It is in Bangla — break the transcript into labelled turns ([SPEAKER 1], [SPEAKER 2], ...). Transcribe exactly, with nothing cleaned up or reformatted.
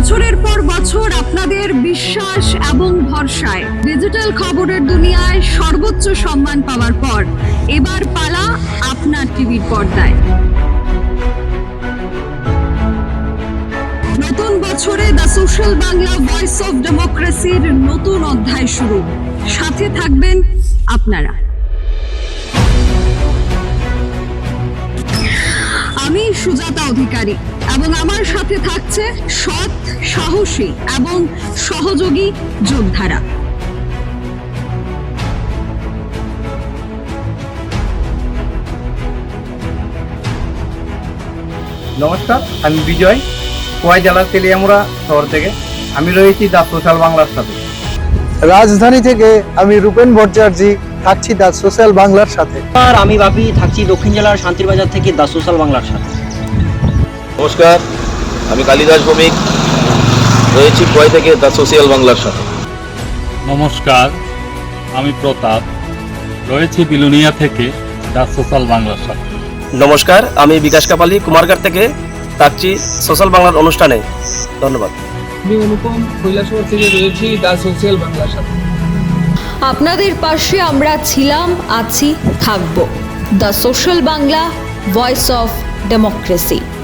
[SPEAKER 1] বছরের পর বছর আপনাদের বিশ্বাস এবং ভরসায় ডিজিটাল খবরের দুনিয়ায় সর্বোচ্চ সম্মান পাওয়ার পর এবার পালা আপনার টিভির পর্দায়। নতুন বছরে the social Bangla voice of ডেমোক্রেসির নতুন অধ্যায় শুরু। সাথে থাকবেন আপনারা। আমি সুজাতা অধিকারী এবং আমার সাথে থাকছে সৎ, সাহসী এবং সহযোগী যোদ্ধারা।
[SPEAKER 2] নমস্কার, আমি বিজয়, খোয়াই জেলার তেলিয়ামুড়া শহর থেকে। আমি রয়েছি দ্য সোশ্যাল বাংলার সাথে।
[SPEAKER 3] রাজধানী থেকে আমি রূপেন ভট্টাচার্য থাকছি দ্য সোশ্যাল বাংলার সাথে।
[SPEAKER 4] আর আমি বাপি থাকছি দক্ষিণ জেলার শান্তিরবাজার থেকে দ্য সোশ্যাল বাংলার সাথে।
[SPEAKER 5] নমস্কার, আমি কালিদাস ভৌমিক, রয়েছি খোয়াই থেকে দ্য সোশ্যাল বাংলার সাথে।
[SPEAKER 6] নমস্কার, আমি প্রতাপ, রয়েছি বিলুনিয়া থেকে দ্য সোশ্যাল বাংলার সাথে।
[SPEAKER 7] নমস্কার, আমি বিকাশ কাপালি কুমারঘাট থেকে থাকছি সোশ্যাল বাংলার অনুষ্ঠানে। ধন্যবাদ।
[SPEAKER 8] আমি অনুপম কৈলাসহর থেকে রয়েছি দ্য সোশ্যাল বাংলার সাথে।
[SPEAKER 1] আপনাদের পাশে আমরা ছিলাম, আছি, থাকবো। The social Bangla voice of democracy.